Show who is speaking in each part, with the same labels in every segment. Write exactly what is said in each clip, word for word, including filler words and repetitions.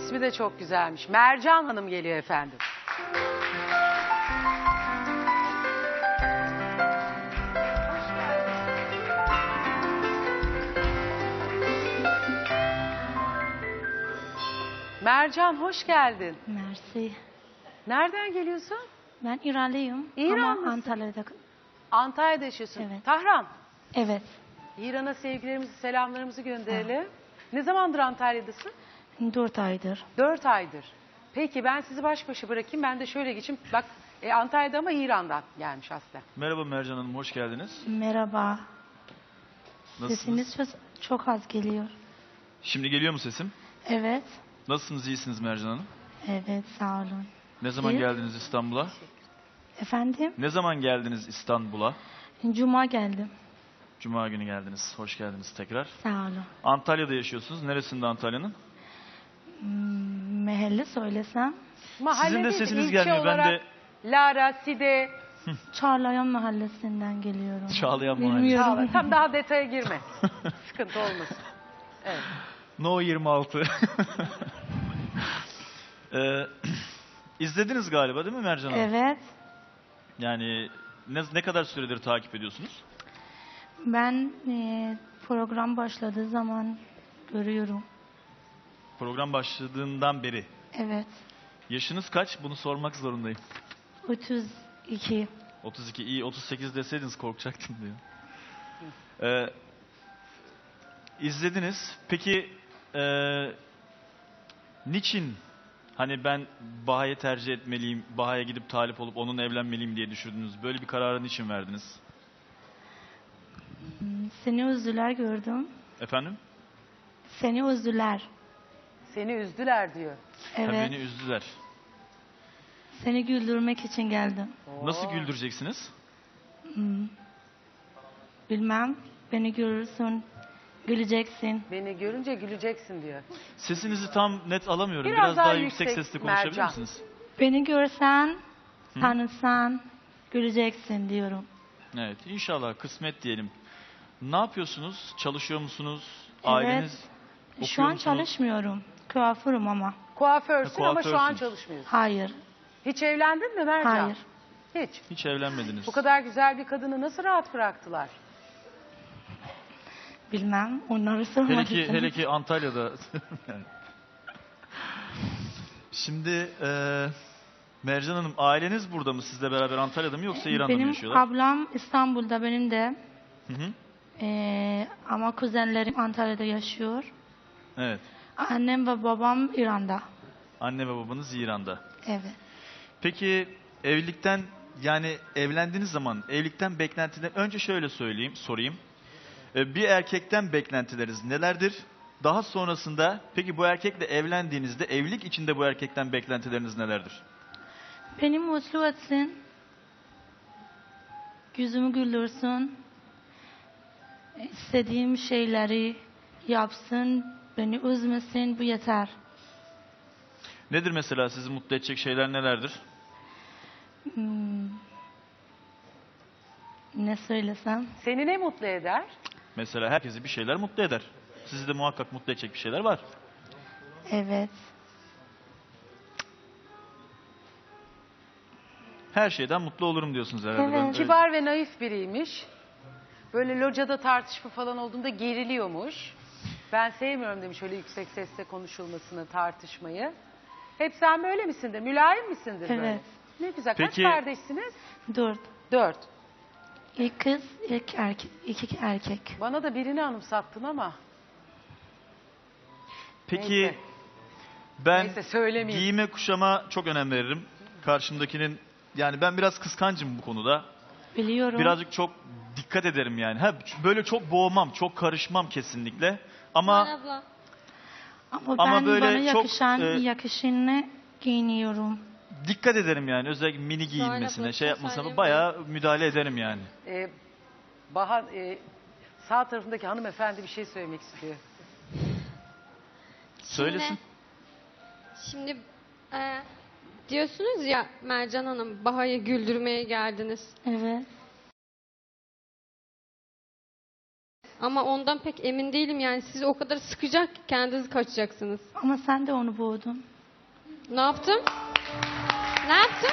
Speaker 1: İsmi de çok güzelmiş. Mercan Hanım geliyor efendim. Mercan hoş geldin.
Speaker 2: Mersi.
Speaker 1: Nereden geliyorsun?
Speaker 2: Ben İranlıyım
Speaker 1: İran
Speaker 2: ama Antalya'da.
Speaker 1: Antalya'da yaşıyorsun.
Speaker 2: Evet.
Speaker 1: Tahran.
Speaker 2: Evet.
Speaker 1: İran'a sevgilerimizi, selamlarımızı gönderelim. Ne zamandır Antalya'dasın?
Speaker 2: Dört aydır.
Speaker 1: Dört aydır. Peki ben sizi baş başa bırakayım. Ben de şöyle geçeyim. Bak e, Antalya'da ama İran'dan gelmiş aslında.
Speaker 3: Merhaba Mercan Hanım, hoş geldiniz.
Speaker 2: Merhaba.
Speaker 3: Nasılsınız?
Speaker 2: Sesiniz çok, çok az geliyor.
Speaker 3: Şimdi geliyor mu sesim?
Speaker 2: Evet.
Speaker 3: Nasılsınız, iyisiniz Mercan Hanım?
Speaker 2: Evet, sağ olun.
Speaker 3: Ne zaman
Speaker 2: Siz?
Speaker 3: geldiniz İstanbul'a?
Speaker 2: Efendim?
Speaker 3: Ne zaman geldiniz İstanbul'a?
Speaker 2: Cuma geldim.
Speaker 3: Cuma günü geldiniz, hoş geldiniz tekrar.
Speaker 2: Sağ olun.
Speaker 3: Antalya'da yaşıyorsunuz, neresinde Antalya'nın?
Speaker 2: Hmm, Mahalle söylesem.
Speaker 1: Mahalle
Speaker 3: Sizin de
Speaker 1: değil,
Speaker 3: sesiniz
Speaker 1: ilçe
Speaker 3: gelmiyor, ben
Speaker 1: olarak
Speaker 3: de...
Speaker 1: Lara, Side,
Speaker 2: Çağlayan Mahallesi'nden geliyorum.
Speaker 3: Çağlayan Mahallesi.
Speaker 2: Bilmiyorum.
Speaker 1: Çağla. Tam daha detaya girme. Sıkıntı olmasın. Evet.
Speaker 3: No yirmi altı. ee, izlediniz galiba değil mi Mercan Hanım?
Speaker 2: Evet.
Speaker 3: Yani ne, ne kadar süredir takip ediyorsunuz?
Speaker 2: Ben e, program başladığı zaman görüyorum.
Speaker 3: Program başladığından beri.
Speaker 2: Evet.
Speaker 3: Yaşınız kaç? Bunu sormak zorundayım.
Speaker 2: otuz iki.
Speaker 3: otuz iki, iyi otuz sekiz deseydiniz korkacaktım diyor. Ee, izlediniz. Peki e, niçin hani ben Baha'yı tercih etmeliyim, Baha'ya gidip talip olup onunla evlenmeliyim diye düşündünüz? Böyle bir kararı niçin verdiniz?
Speaker 2: Seni üzdüler gördüm.
Speaker 3: Efendim?
Speaker 2: Seni üzdüler.
Speaker 1: Seni üzdüler diyor.
Speaker 3: Ha,
Speaker 2: Evet.
Speaker 3: beni üzdüler.
Speaker 2: Seni güldürmek için geldim.
Speaker 3: Nasıl güldüreceksiniz?
Speaker 2: Hmm. Bilmem. Beni görürsün. Güleceksin.
Speaker 1: Beni görünce güleceksin diyor.
Speaker 3: Sesinizi tam net alamıyorum.
Speaker 1: Biraz
Speaker 3: Biraz,
Speaker 1: daha
Speaker 3: daha, yüksek,
Speaker 1: yüksek,
Speaker 3: sesle konuşabilir
Speaker 1: Mercan.
Speaker 3: misiniz?
Speaker 2: Beni görsen,
Speaker 3: Hı?
Speaker 2: tanısan, güleceksin diyorum.
Speaker 3: Evet, inşallah kısmet diyelim. Ne yapıyorsunuz? Çalışıyor musunuz?
Speaker 2: Evet.
Speaker 3: Aileniz okuyor
Speaker 2: Şu an
Speaker 3: musunuz?
Speaker 2: çalışmıyorum. Kuaförüm ama.
Speaker 1: Kuaförsün
Speaker 3: Ha,
Speaker 1: ama şu an
Speaker 3: kuaförsünüz.
Speaker 1: çalışmıyorsun.
Speaker 2: Hayır.
Speaker 1: Hiç evlendin mi Mercan?
Speaker 2: Hayır.
Speaker 1: Hiç.
Speaker 3: Hiç evlenmediniz.
Speaker 1: Bu kadar güzel bir kadını nasıl rahat bıraktılar?
Speaker 2: Bilmem. Onları sormak
Speaker 3: Hele ki,
Speaker 2: istedim.
Speaker 3: hele ki Antalya'da. Şimdi e, Mercan Hanım, aileniz burada mı? Sizle beraber Antalya'da mı yoksa İran'da
Speaker 2: Benim
Speaker 3: mı yaşıyorlar?
Speaker 2: ablam İstanbul'da, benim de.
Speaker 3: Hı hı.
Speaker 2: Ee, ama kuzenlerim Antalya'da yaşıyor.
Speaker 3: Evet.
Speaker 2: Annem ve babam İran'da.
Speaker 3: Anne ve babanız İran'da.
Speaker 2: Evet.
Speaker 3: Peki evlilikten, yani evlendiğiniz zaman evlilikten beklentiler, önce şöyle söyleyeyim, sorayım. Ee, Bir erkekten beklentileriniz nelerdir? Daha sonrasında peki bu erkekle evlendiğinizde evlilik içinde bu erkekten beklentileriniz nelerdir?
Speaker 2: Beni mutlu etsin. Yüzümü güldürsün. İstediğim şeyleri yapsın. Beni üzmesin. Bu yeter.
Speaker 3: Nedir mesela sizi mutlu edecek şeyler nelerdir?
Speaker 2: Hmm. Ne söylesem?
Speaker 1: Seni ne mutlu eder?
Speaker 3: Mesela herkesi bir şeyler mutlu eder. Sizi de muhakkak mutlu edecek bir şeyler var.
Speaker 2: Evet.
Speaker 3: Her şeyden mutlu olurum diyorsunuz herhalde.
Speaker 2: Evet.
Speaker 3: Ben öyle-
Speaker 1: Kibar ve naif biriymiş. Böyle locada tartışma falan olduğunda geriliyormuş. Ben sevmiyorum demiş öyle yüksek sesle konuşulmasını, tartışmayı. Hep sen böyle misindir? Mülayim misindir böyle?
Speaker 2: Evet.
Speaker 1: Ne güzel.
Speaker 3: Peki-
Speaker 1: Kaç kardeşsiniz?
Speaker 2: Dört.
Speaker 1: Dört.
Speaker 2: İlk kız, ilk erkek, iki erkek.
Speaker 1: Bana da birini anımsattın ama.
Speaker 3: Peki
Speaker 1: Neyse.
Speaker 3: ben
Speaker 1: Neyse, söylemeyeyim.
Speaker 3: giyime kuşama çok önem veririm. Karşımdakinin, yani ben biraz kıskancım bu konuda.
Speaker 2: Biliyorum.
Speaker 3: Birazcık çok dikkat ederim yani. Ha, böyle çok boğmam, çok karışmam kesinlikle. Ama
Speaker 2: Ama,
Speaker 3: Ama
Speaker 2: ben
Speaker 3: böyle
Speaker 2: bana
Speaker 3: çok,
Speaker 2: yakışan,
Speaker 3: e,
Speaker 2: yakışını giyiniyorum.
Speaker 3: dikkat ederim yani. Özellikle mini giyinmesine, şey yapmasına bayağı müdahale ederim yani.
Speaker 1: Ee, Bahar, e, sağ tarafındaki hanımefendi bir şey söylemek istiyor.
Speaker 3: Söylesin.
Speaker 4: Şimdi e, diyorsunuz ya Mercan Hanım, Baha'yı güldürmeye geldiniz.
Speaker 2: Evet.
Speaker 4: Ama ondan pek emin değilim yani. Siz o kadar sıkacak ki kendiniz kaçacaksınız.
Speaker 2: Ama sen de onu boğdun.
Speaker 4: Ne yaptım? Ne yaptım?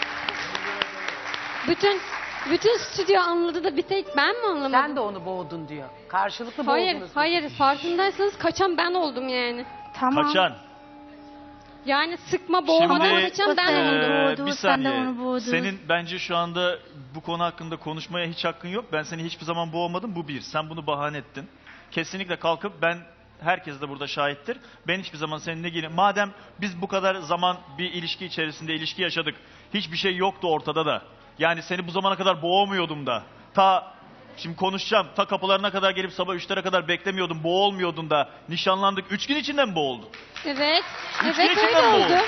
Speaker 4: Bütün bütün stüdyo anladı da bir tek ben mi anlamadım?
Speaker 1: Sen de onu boğdun diyor. Karşılıklı
Speaker 4: Hayır,
Speaker 1: boğdunuz.
Speaker 4: hayır. Farkındaysanız kaçan ben oldum yani.
Speaker 2: Tamam.
Speaker 3: Kaçan.
Speaker 4: Yani sıkma, boğmadan
Speaker 3: Şimdi,
Speaker 4: kaçan ben
Speaker 2: Ee,
Speaker 4: oldum.
Speaker 3: Ee,
Speaker 2: boğdu,
Speaker 3: bir
Speaker 2: sen de
Speaker 3: saniye.
Speaker 2: onu boğdun.
Speaker 3: Senin bence şu anda bu konu hakkında konuşmaya hiç hakkın yok. Ben seni hiçbir zaman boğmadım. Bu bir. Sen bunu bahane ettin. Kesinlikle kalkıp ben, herkes de burada şahittir. Ben hiçbir zaman seninle ilgili. Madem biz bu kadar zaman bir ilişki içerisinde ilişki yaşadık. Hiçbir şey yoktu ortada da. Yani seni bu zamana kadar boğmuyordum da. Ta şimdi konuşacağım. Ta kapılarına kadar gelip sabah üçlere kadar beklemiyordum. Boğulmuyordun da. Nişanlandık. Üç gün içinde mi boğuldun?
Speaker 4: Evet.
Speaker 3: Üç
Speaker 4: Evet
Speaker 3: gün
Speaker 4: öyle
Speaker 3: içinde mi
Speaker 4: oldu.
Speaker 3: boğuldun?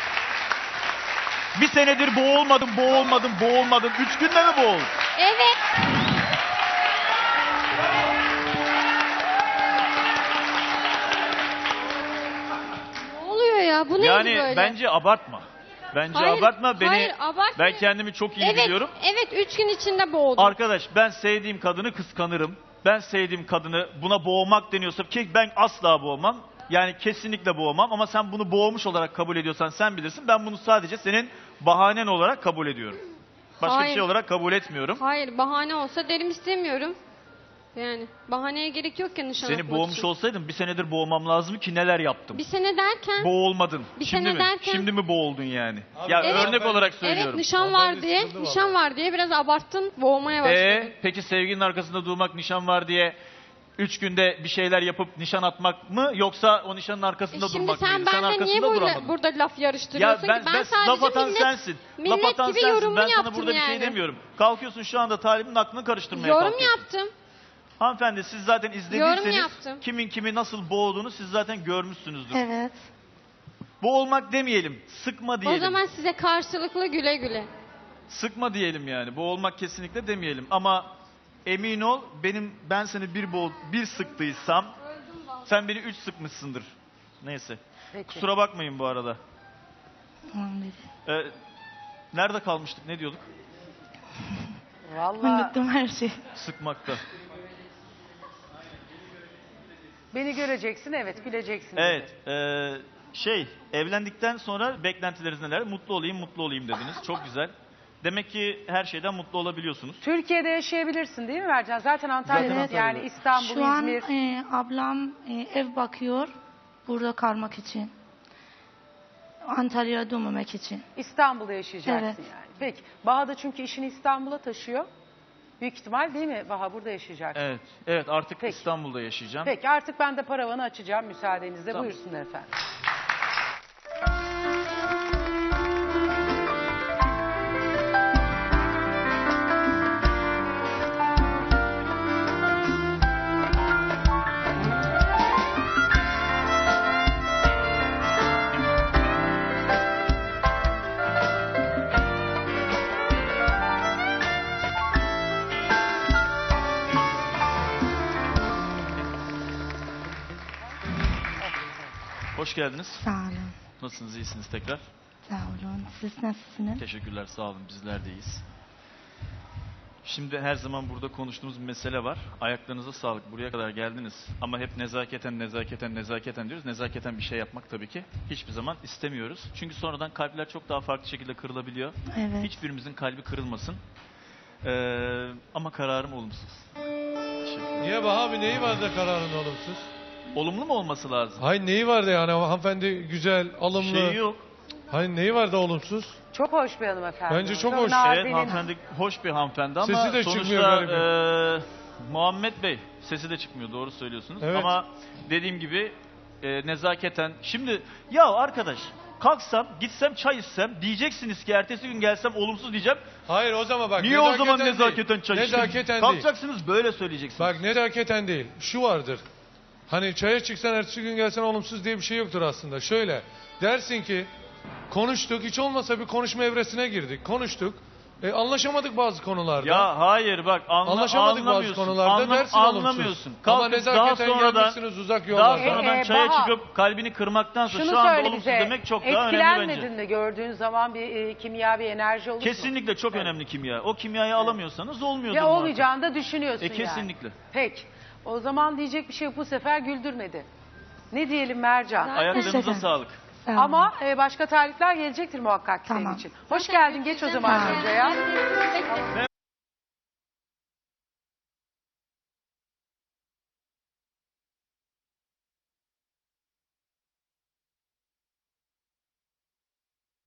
Speaker 3: Bir senedir boğulmadım, boğulmadım, boğulmadım. Üç günde mi boğuldun?
Speaker 4: Evet. Ne oluyor ya? Bu neydi
Speaker 3: Yani
Speaker 4: böyle?
Speaker 3: bence abartma. Bence
Speaker 4: Hayır,
Speaker 3: abartma. Beni,
Speaker 4: hayır, abartmıyorum.
Speaker 3: ben kendimi çok iyi
Speaker 4: evet,
Speaker 3: biliyorum.
Speaker 4: Evet, üç gün içinde boğdum.
Speaker 3: Arkadaş, ben sevdiğim kadını kıskanırım. Ben sevdiğim kadını buna boğmak deniyorsa ki ben asla boğmam. Yani kesinlikle boğmam ama sen bunu boğmuş olarak kabul ediyorsan sen bilirsin. Ben bunu sadece senin bahanen olarak kabul ediyorum. Başka
Speaker 4: Hayır.
Speaker 3: bir şey olarak kabul etmiyorum.
Speaker 4: Hayır, bahane olsa derim istemiyorum. Yani bahaneye gerek yok ya nişan
Speaker 3: Seni
Speaker 4: atmak
Speaker 3: boğmuş
Speaker 4: için.
Speaker 3: olsaydım bir senedir boğmam lazım ki neler yaptım.
Speaker 4: Bir sene derken...
Speaker 3: Boğulmadın.
Speaker 4: Bir
Speaker 3: Şimdi
Speaker 4: sene
Speaker 3: mi?
Speaker 4: derken-
Speaker 3: Şimdi mi boğuldun yani? ya
Speaker 4: Evet.
Speaker 3: örnek olarak
Speaker 4: Evet,
Speaker 3: söylüyorum.
Speaker 4: nişan var diye, nişan var diye biraz abarttın, boğmaya başladın.
Speaker 3: Ee, peki sevginin arkasında durmak, nişan var diye üç günde bir şeyler yapıp nişan atmak mı, yoksa o nişanın arkasında
Speaker 4: E şimdi
Speaker 3: durmak
Speaker 4: sen
Speaker 3: mıydı? Sen
Speaker 4: benimle niye
Speaker 3: arkasında
Speaker 4: burada,
Speaker 3: duramadın.
Speaker 4: burada laf
Speaker 3: Ya
Speaker 4: yarıştırıyorsun
Speaker 3: ben,
Speaker 4: ki? Ben
Speaker 3: ben
Speaker 4: sadece
Speaker 3: laf atan
Speaker 4: millet,
Speaker 3: sensin.
Speaker 4: millet
Speaker 3: Laf atan
Speaker 4: gibi
Speaker 3: sensin.
Speaker 4: yorumumu
Speaker 3: Ben sana
Speaker 4: yaptım
Speaker 3: burada
Speaker 4: yani.
Speaker 3: bir şey demiyorum. Kalkıyorsun şu anda talibin aklını karıştırmaya
Speaker 4: Yorum
Speaker 3: kalkıyorsun.
Speaker 4: yaptım.
Speaker 3: Hanımefendi, siz zaten
Speaker 4: Yorum
Speaker 3: izlediyseniz
Speaker 4: yaptım.
Speaker 3: kimin kimi nasıl boğduğunu siz zaten görmüşsünüzdür.
Speaker 2: Evet.
Speaker 3: Boğulmak demeyelim, sıkma diyelim.
Speaker 4: O zaman size karşılıklı güle güle.
Speaker 3: Sıkma diyelim yani. Boğulmak kesinlikle demeyelim ama emin ol, benim ben seni bir boğ bir sıktıysam sen beni üç sıkmışsındır. Neyse.
Speaker 1: Peki.
Speaker 3: Kusura bakmayın bu arada.
Speaker 2: Tamam dedi.
Speaker 3: Ee, nerede kalmıştık? Ne diyorduk?
Speaker 1: Vallahi
Speaker 2: Unuttum her şeyi.
Speaker 3: Sıkmakta.
Speaker 1: beni göreceksin, evet, güleceksin. dedi.
Speaker 3: Evet. ee, şey, evlendikten sonra beklentileriniz neler? Mutlu olayım, mutlu olayım dediniz. Çok güzel. Demek ki her şeyden mutlu olabiliyorsunuz.
Speaker 1: Türkiye'de yaşayabilirsin değil mi Mercan? Zaten Antalya'da
Speaker 2: Evet.
Speaker 1: yani İstanbul,
Speaker 2: Şu an
Speaker 1: İzmir.
Speaker 2: e, ablam e, ev bakıyor burada kalmak için. Antalya'ya dönmemek için.
Speaker 1: İstanbul'da yaşayacaksın
Speaker 2: Evet.
Speaker 1: yani. Peki. Baha da çünkü işini İstanbul'a taşıyor. Büyük ihtimal değil mi Baha, burada yaşayacak?
Speaker 3: Evet. Evet, artık
Speaker 1: Peki.
Speaker 3: İstanbul'da yaşayacağım.
Speaker 1: Peki artık ben de paravanı açacağım müsaadenizle.
Speaker 3: Tamam.
Speaker 1: Buyursunlar efendim.
Speaker 3: Hoş geldiniz.
Speaker 2: Sağ olun.
Speaker 3: Nasılsınız? İyisiniz tekrar?
Speaker 2: Sağ olun. Siz nasılsınız?
Speaker 3: Teşekkürler, sağ olun. Bizler de iyiyiz. Şimdi her zaman burada konuştuğumuz bir mesele var. Ayaklarınıza sağlık. Buraya kadar geldiniz. Ama hep nezaketen, nezaketen, nezaketen diyoruz. Nezaketen bir şey yapmak tabii ki hiçbir zaman istemiyoruz. Çünkü sonradan kalpler çok daha farklı şekilde kırılabiliyor.
Speaker 2: Evet.
Speaker 3: Hiçbirimizin kalbi kırılmasın. Ee, ama kararım olumsuz. Teşekkür.
Speaker 5: Niye Baha abi, neyi vardı da kararın olumsuz?
Speaker 3: Olumlu mu olması lazım?
Speaker 5: Hayır, neyi vardı yani, hanımefendi güzel, alımlı.
Speaker 3: Şeyi yok.
Speaker 5: Hayır, neyi vardı olumsuz?
Speaker 1: Çok hoş bir hanımefendi.
Speaker 5: Bence çok hoş.
Speaker 1: nazenin.
Speaker 3: Evet, hanımefendi hoş bir hanımefendi ama
Speaker 5: Sesi de
Speaker 3: sonuçta
Speaker 5: çıkmıyor garibim.
Speaker 3: eee, Muhammed Bey sesi de çıkmıyor, doğru söylüyorsunuz.
Speaker 5: Evet.
Speaker 3: Ama dediğim gibi e, nezaketen. Şimdi ya arkadaş, kalksam gitsem çay içsem diyeceksiniz ki ertesi gün gelsem olumsuz diyeceğim.
Speaker 5: Hayır, o zaman bak.
Speaker 3: Niye o zaman
Speaker 5: değil.
Speaker 3: nezaketen çay içtin?
Speaker 5: Nezaketen değil.
Speaker 3: Kalkacaksınız böyle söyleyeceksiniz.
Speaker 5: Bak, nezaketen değil. Şu vardır. Hani çaya çıksan ertesi gün gelsen olumsuz diye bir şey yoktur aslında. Şöyle dersin ki konuştuk, hiç olmasa bir konuşma evresine girdik. Konuştuk. E, anlaşamadık bazı konularda.
Speaker 3: Ya hayır bak anla,
Speaker 5: Anlaşamadık bazı
Speaker 3: anlamıyorsun.
Speaker 5: konularda,
Speaker 3: Anlam-
Speaker 5: dersin olumsuz.
Speaker 3: anlamıyorsun.
Speaker 5: Ama
Speaker 3: Kalkıp daha
Speaker 5: nezaketen
Speaker 3: sonradan
Speaker 5: gelmişsiniz uzak
Speaker 3: daha
Speaker 5: yollardan.
Speaker 3: sonradan
Speaker 1: E, e,
Speaker 3: çaya
Speaker 1: Baha,
Speaker 3: çıkıp kalbini kırmaktansa
Speaker 1: Şunu
Speaker 3: şu anda
Speaker 1: söyle
Speaker 3: olumsuz
Speaker 1: bize.
Speaker 3: demek çok daha önemli bence.
Speaker 1: Etkilenmedin mi gördüğün zaman bir e, kimya, bir enerji olur mu?
Speaker 3: Kesinlikle çok
Speaker 1: Evet.
Speaker 3: önemli kimya. O kimyayı alamıyorsanız olmuyordur.
Speaker 1: Ve
Speaker 3: muhakkak.
Speaker 1: olmayacağını da düşünüyorsun
Speaker 3: E, kesinlikle.
Speaker 1: yani. Peki. O zaman diyecek bir şey yok. Bu sefer güldürmedi. Ne diyelim Mercan?
Speaker 3: Ayaklarınıza
Speaker 2: Teşekkür.
Speaker 3: sağlık.
Speaker 2: Sağ olun.
Speaker 1: Ama e, başka talipler gelecektir muhakkak senin
Speaker 2: Tamam.
Speaker 1: için. Hoş geldin. Geç o zaman
Speaker 2: Tamam.
Speaker 1: şuraya.